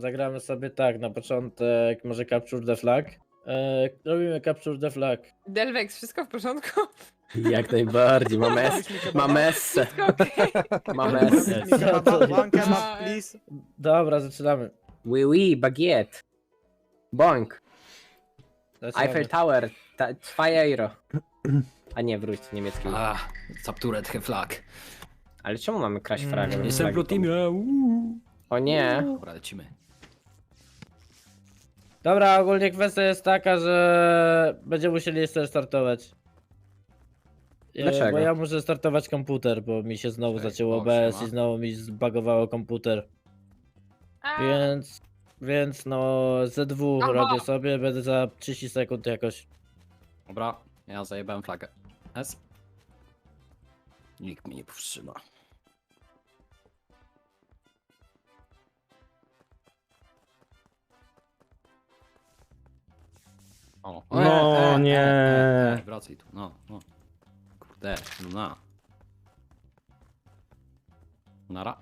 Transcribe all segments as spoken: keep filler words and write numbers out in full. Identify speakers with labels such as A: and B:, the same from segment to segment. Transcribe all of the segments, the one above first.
A: zagramy sobie tak, na początek może Capture the Flag. E, robimy Capture the Flag.
B: Delvex, wszystko w porządku?
C: Jak najbardziej, mam es, mam essę,
B: Wszystko okej?
C: mam essę.
D: Mi kebaba, one kebab, please.
A: Dobra, zaczynamy.
C: Oui, oui, baguette. Boink.
A: zaczynamy.
C: Eiffel Tower, ta, zwei euro. A nie, wróć, niemiecki.
E: A, Zapturet Flag.
C: Ale czemu mamy kraść
A: Mm,
C: fragę?
E: Jestem pro teamie. uuu.
C: O nie.
E: Dobra, lecimy.
A: Dobra, ogólnie kwestia jest taka, że będziemy musieli jeszcze startować. E,
C: Dlaczego?
A: Bo ja muszę startować komputer, bo mi się znowu
E: Okej,
A: zacięło
E: o,
A: O B S
E: siema.
A: i znowu mi zbagowało komputer.
B: A,
A: Więc, więc no Z dwa
B: Aha.
A: robię sobie, będę za trzydzieści sekund jakoś.
E: Dobra, ja zajebałem flagę. S. Nikt mnie nie powstrzyma. O,
F: No nie.
E: E, e, wracaj tu, no, no. Kurde, no na. Nara.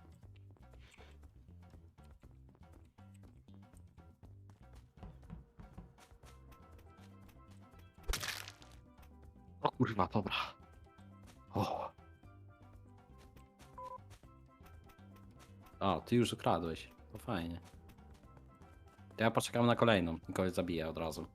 E: O kurwa, dobra. O. O, ty już ukradłeś. To fajnie. To ja poczekam na kolejną. Kogoś zabiję od razu.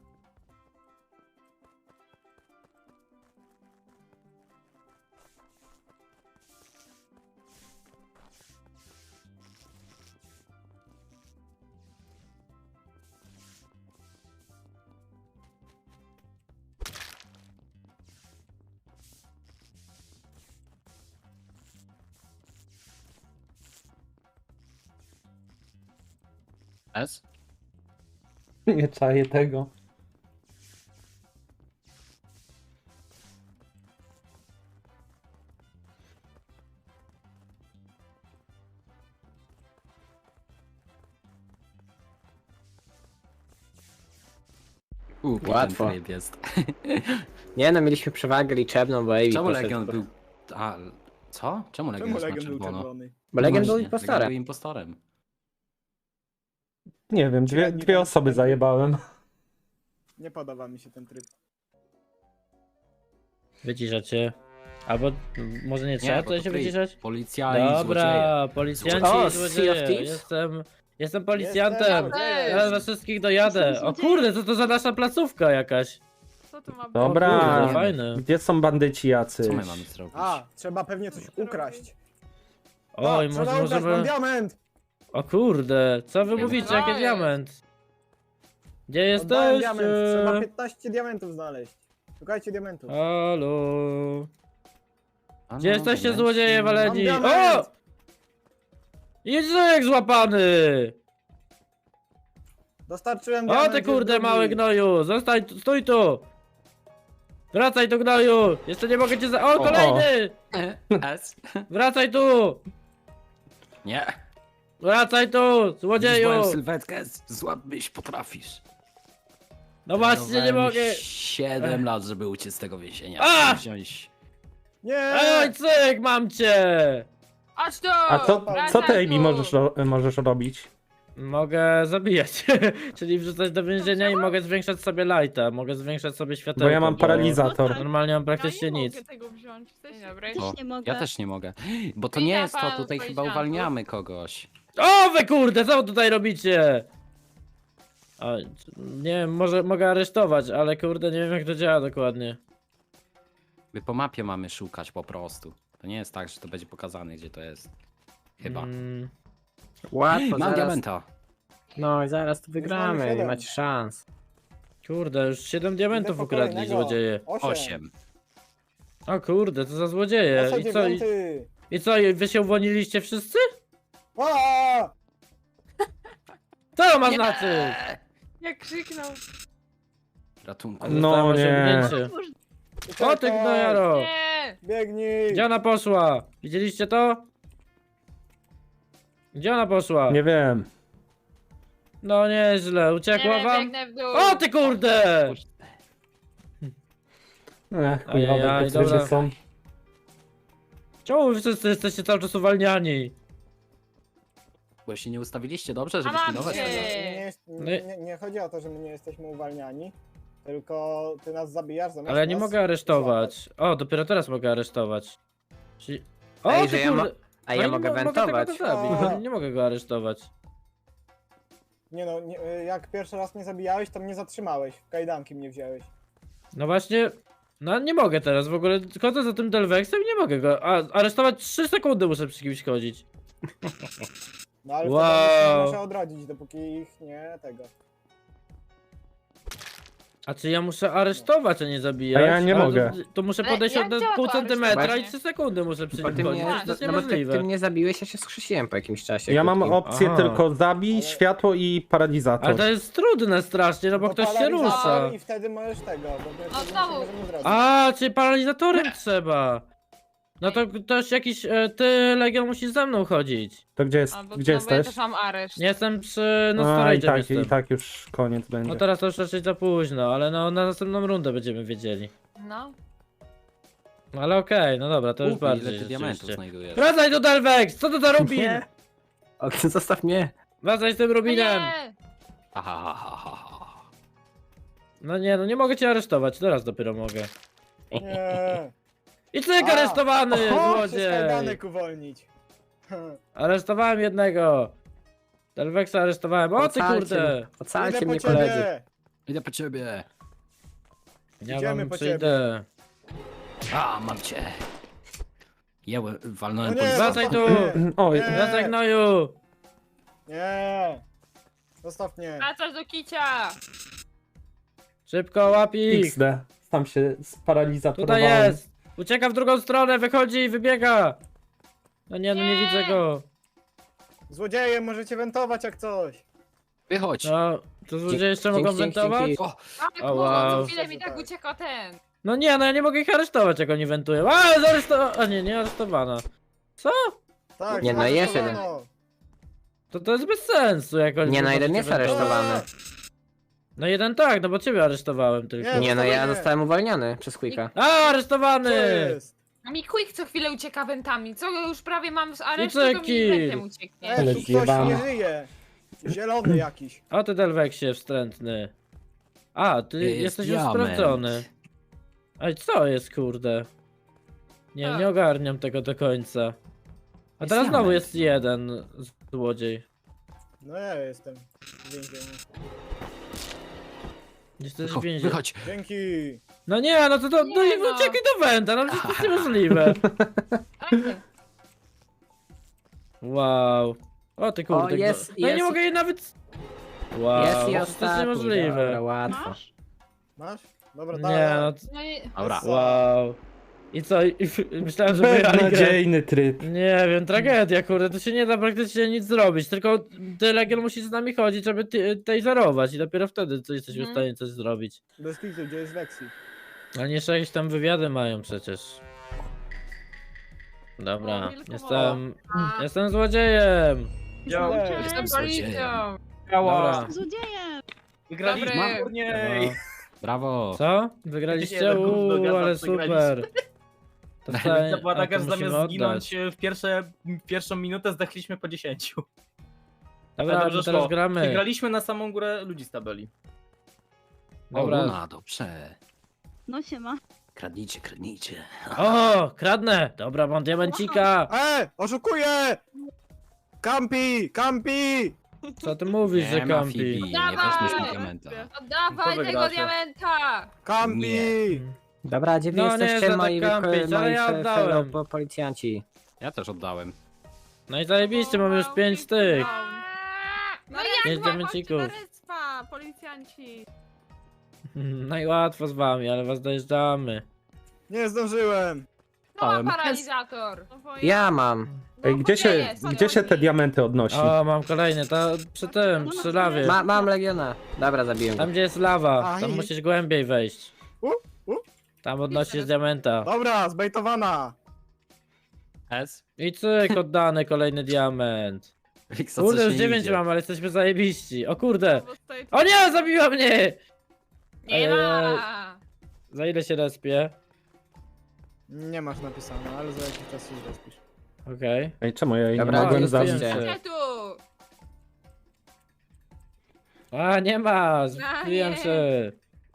E: S?
F: Nie czaję tego.
E: Uuu,
C: Łatwo.
E: Łatwo. jest.
C: Nie no, mieliśmy przewagę liczebną, bo Ewi
E: Czemu
C: poszedł-
E: Legion był... A, co? Czemu Legion
D: Czemu
E: jest na
D: Legion był
E: czerwono?
D: czerwony?
C: Bo Legion
E: Właśnie,
C: był impostorem.
E: Legion był impostorem.
F: Nie wiem, dwie,
D: Ja nie
F: dwie
D: wiem,
F: osoby
D: co-
F: zajebałem.
D: Nie podoba mi się ten tryb.
A: Wyciszacie. Albo może nie trzeba
E: bo
A: tutaj
E: to
A: się
E: tryb.
A: wyciszać?
E: Policjali, złodzieje.
A: Dobra, policjanci
C: O,
A: i
C: Sea of
A: złodzieje.
C: Thieves?
A: Jestem, jestem policjantem.
D: Jestem
A: Teraz was wszystkich dojadę.
G: Jestem
A: O kurde, co to za nasza placówka jakaś?
B: co to ma być?
F: Dobra.
A: O kurde,
F: A.
A: fajne.
F: Gdzie są bandyci jacy?
E: Co my mamy zrobić?
D: A, trzeba pewnie coś ukraść.
A: Oj,
D: A,
A: może
D: trzeba ukraść, mam
A: możemy...
D: diament!
A: O kurde, co wy
E: Nie
A: mówicie,
B: wiem.
A: jaki
B: Co
A: diament? Gdzie
D: Oddałem
A: jesteś?
D: diament, trzeba piętnaście diamentów znaleźć. Szukajcie diamentów.
A: Halo?
E: A
A: Gdzie
E: no,
A: jesteście
E: diamenci.
A: złodzieje waleni?
D: Mam
A: O!
D: diament!
A: Jedzek złapany!
D: Dostarczyłem
A: O
D: diament.
A: ty
D: jest
A: kurde
D: drugi.
A: mały gnoju! Zostań, tu- stój tu! Wracaj tu gnoju! Jeszcze nie mogę cię za... O,
F: O.
A: kolejny!
E: S?
A: Wracaj tu!
E: Nie.
A: Wracaj tu!
E: Widzisz
A: Złodzieju!
E: moją sylwetkę? Złapyś potrafisz.
A: No właśnie, nie
E: Trenowałem
A: mogę!
E: siedem lat, żeby uciec z tego więzienia.
A: A!
E: Wziąć...
D: Nie!
A: Oj, cyk, mam cię!
B: Chodź tu!
F: A co, co ty,
B: Wracaj
F: Amy,
B: tu!
F: możesz, ro- możesz robić?
A: Mogę zabijać, czyli wrzucać do więzienia i mogę zwiększać sobie lighta, mogę zwiększać sobie światełko.
F: Bo ja mam paralizator.
A: Normalnie mam
B: Ja
A: praktycznie
B: nie
A: nic.
B: mogę tego wziąć. Chcesz? Dzień dobry.
G: Też
E: O,
G: nie mogę.
E: Ja też nie mogę. Bo to
B: Witam
E: nie jest to,
B: pana
E: tutaj chyba
B: policjantów.
E: uwalniamy kogoś.
A: O wy kurde, co wy tutaj robicie? A, nie wiem, może mogę aresztować, ale kurde nie wiem jak to działa dokładnie.
E: My po mapie mamy szukać po prostu. To nie jest tak, że to będzie pokazane, gdzie to jest. Chyba.
A: Mm,
C: Łatwo,
E: Mam
C: zaraz.
E: diamenta.
C: No i zaraz tu wygramy, nie
D: siedem.
C: macie szans.
A: kurde, już siedem diamentów
D: Idę po
A: ukradli
D: kolejnego.
A: złodzieje.
D: Osiem.
E: Osiem.
A: O kurde, co za złodzieje.
D: Oso
A: I co, i,
D: dziewiąty.
A: i co, i wy się uwolniliście wszyscy?
D: A!
A: Co to ma znaczyć?
B: Jak krzyknął.
E: Ratunku.
F: No
A: Zostałem
F: nie.
A: osiągnięty.
G: Otwórz-
A: O ty gnojaro!
B: Nie!
D: Biegnij!
A: Gdzie ona poszła? Widzieliście to? Gdzie ona poszła?
F: Nie wiem.
A: No nieźle,
B: Nie
A: uciekła
B: wiem,
A: wam?
B: biegnę w dół.
A: O ty kurde!
F: Ech,
A: Ajajaj,
F: chujowe te
A: dobra.
F: tryby są.
A: Czemu wy wszyscy jesteście cały czas uwalniani?
E: Bo się nie ustawiliście dobrze, żeby
B: A mam
E: pilnować?
B: cię!
D: Nie, nie, jest-
A: No
D: nie,
A: i-
D: nie, nie chodzi o to, że my nie jesteśmy uwalniani, tylko ty nas zabijasz zamiast
A: Ale ja nie
D: nas
A: mogę aresztować. O, dopiero teraz mogę aresztować. Czyli... O,
C: Ej,
A: ty
C: że ja mo-
A: kurde.
C: A
A: No
C: ja
A: i
C: mogę
A: mo-
C: wentować.
A: Mogę tego zabić,
D: O.
A: bo nie mogę go aresztować.
D: Nie no, nie, jak pierwszy raz mnie zabijałeś, to mnie zatrzymałeś, w kajdanki mnie wziąłeś.
A: No właśnie... No nie mogę teraz w ogóle, chodzę za tym Delvexem i nie mogę go... A, aresztować trzy sekundy muszę przy kimś chodzić.
D: No ale
A: Wow.
D: wtedy nie muszę odrodzić, dopóki ich nie tego.
A: A czy ja muszę aresztować, a nie zabijać?
F: A ja nie
A: Ale
F: mogę.
A: To, to muszę
B: Ale
A: podejść
B: jak
A: od
B: działa
A: pół
B: to
A: centymetra i
B: aresztowanie?
A: trzy sekundy muszę przy
C: Bo
A: nim
C: ty
A: chodzić.
C: mnie,
A: To jest
C: no bo ty,
A: niemożliwe.
C: ty mnie zabiłeś, ja się skrzesiłem po jakimś czasie.
F: Ja mam
C: krótkim.
F: opcję
A: Aha.
F: tylko zabić,
D: Ale-
F: światło i paralizator.
A: Ale to jest trudne strasznie, no bo
D: To
A: ktoś się
D: paralizator
A: rusza.
D: I wtedy możesz tego, bo my
B: No
D: wtedy
B: znowu.
D: nic nie możemy zrobić.
A: A, czyli paralizatorem trzeba. No to ktoś jakiś, e, ty Legion musisz ze mną chodzić.
F: To gdzie, jest,
B: Albo
F: gdzie
B: co, bo ja
F: jesteś?
B: też mam areszt.
A: Nie jestem przy, no
F: A, i
A: storage'em
F: tak,
A: jestem.
F: i tak już koniec będzie.
A: No teraz to już raczej za późno, ale no na następną rundę będziemy wiedzieli.
B: No.
A: No ale okej, no dobra, to już
E: Kupi,
A: bardziej
E: ile ty diamentów
A: rzeczywiście.
E: znajdujesz?
A: Wracaj do Delvex! Co to za Rubin?
C: Nie. O, zostaw mnie.
A: Wracaj z tym
B: No
A: Rubinem!
B: nie!
E: Aha, ha, ha, ha, ha.
A: No nie, no nie mogę cię aresztować, teraz dopiero mogę.
D: Nie.
A: I cyk,
D: A,
A: aresztowany,
D: Chcesz
A: złodziej!
D: kajdanek uwolnić.
A: Aresztowałem jednego. Delvexa aresztowałem, o ty
C: Ocalcie
A: kurde!
C: mnie. Ocalcie
D: Idę
C: mnie,
D: po
C: koledzy.
D: ciebie.
E: Idę po ciebie.
A: Ja
D: Idziemy
A: wam
D: po
A: przyjdę.
E: A, mam cię. Jełe, walnąłem
D: No nie,
E: policjanta.
A: Wracaj tu!
F: Oj,
D: Nie.
A: Wracaj gnoju!
D: Nie. Zostaw mnie.
B: Wracasz do kicia!
A: Szybko łapik!
F: X D. Tam się sparalizatorowałem.
A: Tutaj jest! Ucieka w drugą stronę, wychodzi i wybiega! No nie, no nie
B: Nie.
A: widzę go.
D: Złodzieje, możecie wentować jak coś.
E: Wychodź.
A: No, to ludzie jeszcze
C: Dzięki,
A: mogą
C: dzięki,
A: wentować?
C: dzięki.
E: O,
B: Tak,
A: O,
B: bo
A: wow.
B: co chwilę mi
D: Tak.
B: tak ucieka ten.
A: No nie, no ja nie mogę ich aresztować, jak oni wentują. A, zaaresztowana! A nie, nie aresztowana. Co?
D: Tak,
C: Nie, no
D: tak,
C: jest
D: no,
C: jeden.
D: no.
A: To to jest bez sensu, jak oni
C: Nie, no
A: po
C: jeden
A: prostu
C: jest
A: wentują.
C: aresztowany.
A: No jeden tak, no bo ciebie aresztowałem tylko.
D: Nie,
C: Nie no, ja
D: Zostawienie.
C: zostałem uwolniony przez Quicka.
A: A, aresztowany!
D: Co jest?
B: A mi Quick co chwilę ucieka wentami. Co już prawie mam z aresztu,
A: I
B: to
A: co,
B: mi wentem ucieknie.
D: Ej,
F: Ale
D: tu ktoś
F: zjebane.
D: nie żyje. Zielony jakiś.
A: O ty Delvexie wstrętny. A, ty
E: Jest
A: jesteś już
E: diament.
A: sprawdzony. Ej, co jest kurde? Nie,
B: Tak.
A: nie ogarniam tego do końca. A
E: Jest
A: teraz znowu
E: diament.
A: jest jeden złodziej.
D: No ja jestem w więzieniu.
A: Jesteś w
E: wychodź,
A: więzieniu.
E: wychodź.
D: Dzięki.
A: No nie, no to, to no
B: Nie
A: i
B: no.
A: uciekaj do Wenta, no przecież to jest niemożliwe.
B: Tak.
A: Wow. O ty kurde.
C: O, jest,
A: no, no ja nie
C: jest.
A: mogę jej nawet... Wow,
C: Jest i
A: to jest
C: ostatni.
A: niemożliwe.
C: Dobra, łatwo.
B: Masz?
D: Masz? Dobra,
A: Nie,
D: dawaj.
A: no...
B: No i...
E: Dobra.
A: Wow. I co? I, i, myślałem, że wygrali grę.
F: Beznadziejny tryb.
A: Nie wiem, tragedia, kurde, tu się nie da praktycznie nic zrobić, tylko ty Legion musi z nami chodzić, żeby ty, taserować i dopiero wtedy co jesteśmy w
B: Mhm.
A: stanie coś zrobić.
D: Bez kitu, gdzie jest Lexi?
A: A nie jeszcze jakieś tam wywiady mają przecież. Dobra,
B: O, wilku
A: jestem...
B: A,
A: Jestem złodziejem!
D: Cześć.
B: Jestem policją.
A: Dobra.
G: Złodziejem!
H: Wygraliśmy
B: Dobry.
H: turniej!
A: No.
E: Brawo.
A: Co? Wygraliście?
H: Jeden gówno
A: Uuu,
H: gada,
A: ale
H: przegraliśmy.
A: super. To,
H: To była
A: a,
H: taka,
A: to
H: że
A: musimy
H: zamiast
A: oddać.
H: zginąć w pierwsze, pierwszą minutę zdechliśmy po dziesięciu.
A: Dobra,
H: dobrze
A: my teraz
H: szło.
A: gramy.
H: Wygraliśmy na samą górę ludzi z tabeli.
E: O,
A: Dobra.
E: Luna, dobrze.
G: No siema.
E: Kradnijcie, kradnijcie.
A: O, kradnę! Dobra, mam diamencika!
D: E, oszukuję! Kampi, kampi!
A: Co ty mówisz, że
E: Nie ma
A: kampi?
E: Fibi, nie
B: Dawaj!
E: weźmiesz mi diamenta.
B: Oddawaj
H: To
B: tego
H: wygracie.
B: diamenta!
D: Kampi!
E: Nie.
C: Dobra, gdzie wy
A: No, nie,
C: jesteście,
A: za
C: moi,
A: tak kampić,
C: moi,
A: ale
C: moi
A: ja
C: fe-
A: oddałem.
C: fellow po- policjanci?
E: Ja też oddałem.
A: No i zajebiście, mam już pięć tych.
B: No
A: Pięć
B: jak
A: diamencików.
B: chodźcie na respa, policjanci.
A: No i łatwo z wami, ale was dojeżdżamy.
D: Nie zdążyłem.
B: No
E: Ale-
B: ma paralizator.
C: Ja mam.
F: Ej, gdzie się,
B: jest,
F: gdzie się te diamenty odnosi?
A: O, mam kolejny, to przy tym, przy lawie.
C: Ma, mam Legiona. Dobra, zabiłem go.
A: Tam gdzie jest lawa, tam
D: Aj.
A: musisz głębiej wejść.
D: U, u.
A: Tam odnosisz diamenta.
D: Dobra, zbejtowana.
E: S?
A: I cyk, oddany kolejny diament.
E: Wiksa,
A: Kurde,
E: coś
A: już
E: nie
A: dziewięć
E: idzie.
A: mam, ale jesteśmy zajebiści. O kurde.
B: Bo stoi tu-
A: O nie, zabiła mnie!
B: Nie ma!
A: Za ile się respie?
D: Nie masz napisane, ale za jakiś czas się zrespisz.
A: Okej.
F: Ej, czemu ja jej nie
C: Dobra,
F: mogłem
C: gdzie
F: zabić?
C: jesteście?
B: Gdzie tu?
A: A, nie ma! Zbiłem
B: nie.
A: się!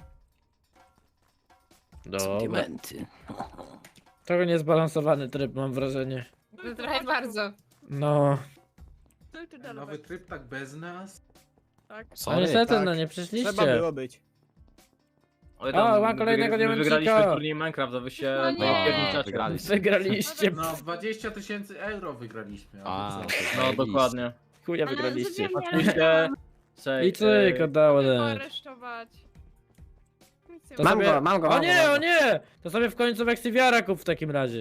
A: Dobra.
E: Suplementy.
A: Trochę niezbalansowany tryb, mam wrażenie.
B: To trochę bardzo.
A: No.
G: Nowy tryb tak bez nas?
A: A
E: Sorry.
A: niestety,
D: tak.
A: no nie
D: Trzeba
A: przyszliście.
D: było być.
H: Oj,
A: O, mam kolejnego
H: my
A: diamencika.
H: Wygraliśmy turniej Minecraft, a wy się
B: No nie.
H: napierniczacie.
E: Wygraliście.
A: Wygraliście.
G: No, dwadzieścia tysięcy euro wygraliśmy.
E: A,
G: A,
E: to
H: No
E: zajebiście.
H: dokładnie.
A: Chuja wygraliście.
H: Patrzcie.
A: I cyk, oddało dać.
I: aresztować. Nic nie
A: To
C: Mam
A: sobie-
C: go, mam go,
A: O
C: mam go,
A: nie,
C: mam
A: o
C: go.
A: nie! To sobie w końcu Weksiwiara kup w takim razie.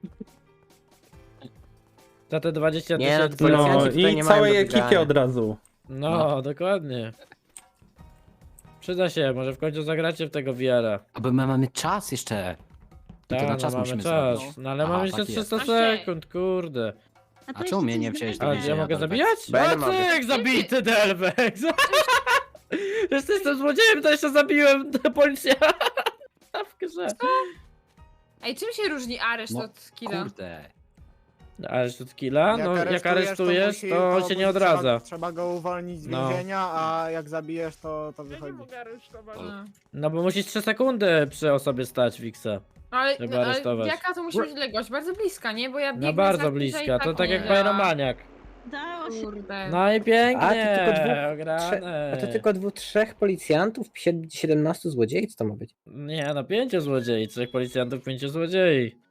A: Za te dwadzieścia
C: Nie, no,
A: tysięcy.
C: to
F: No
C: Policjanci tutaj
F: i
C: nie mają
F: całej
C: do
F: ekipie
C: wygrania.
F: od razu.
A: No, dokładnie. Przyda się, może w końcu zagracie w tego V R-a.
E: Aby my mamy czas jeszcze. I to
A: Tak,
E: na
A: no
E: czas
A: mamy
E: musimy
A: czas.
E: zrobić.
A: No ale
E: Aha,
A: mamy jeszcze
E: tak jest.
A: trzysta
B: Okej.
A: sekund, kurde.
E: A czemu mnie nie wziąłeś do
A: A
E: więzienia?
A: gdzie ja mogę
E: Delvex?
A: zabijać?
C: Bo ja nie
A: A
C: mogę.
A: cyk, zabity Delvex! Jeszcze jestem złodziejem, to jeszcze zabiłem policja w grze.
B: Ej, czym się różni areszt
E: No,
B: od killa?
E: Kurde.
A: Areszt killa? No jak aresztujesz,
D: musi-
A: to on
D: musi-
A: się nie odradza.
D: Trzeba, trzeba go uwolnić z
A: No.
D: więzienia, a jak zabijesz, to, to
I: Ja nie
D: wychodzi.
I: mogę aresztować.
B: No.
A: No bo musisz trzy sekundy przy osobie stać, Wiksa.
B: Ale,
A: Trzeba
B: no, ale
A: aresztować.
B: jaka to musi być odległość? Bardzo bliska, nie? Bo ja biegnę
A: No
B: za
A: bardzo
B: kimś,
A: bliska,
B: i
A: to tak jak
B: nie.
A: Pyromaniak.
I: Dało się.
B: Kurde.
A: No i pięknie,
C: A, to tylko dwóch-
A: ograne.
C: A to tylko dwóch, trzech policjantów, siedemnastu złodziei? Co to ma być?
A: Nie, no pięciu złodziei, trzech policjantów, pięciu złodziei.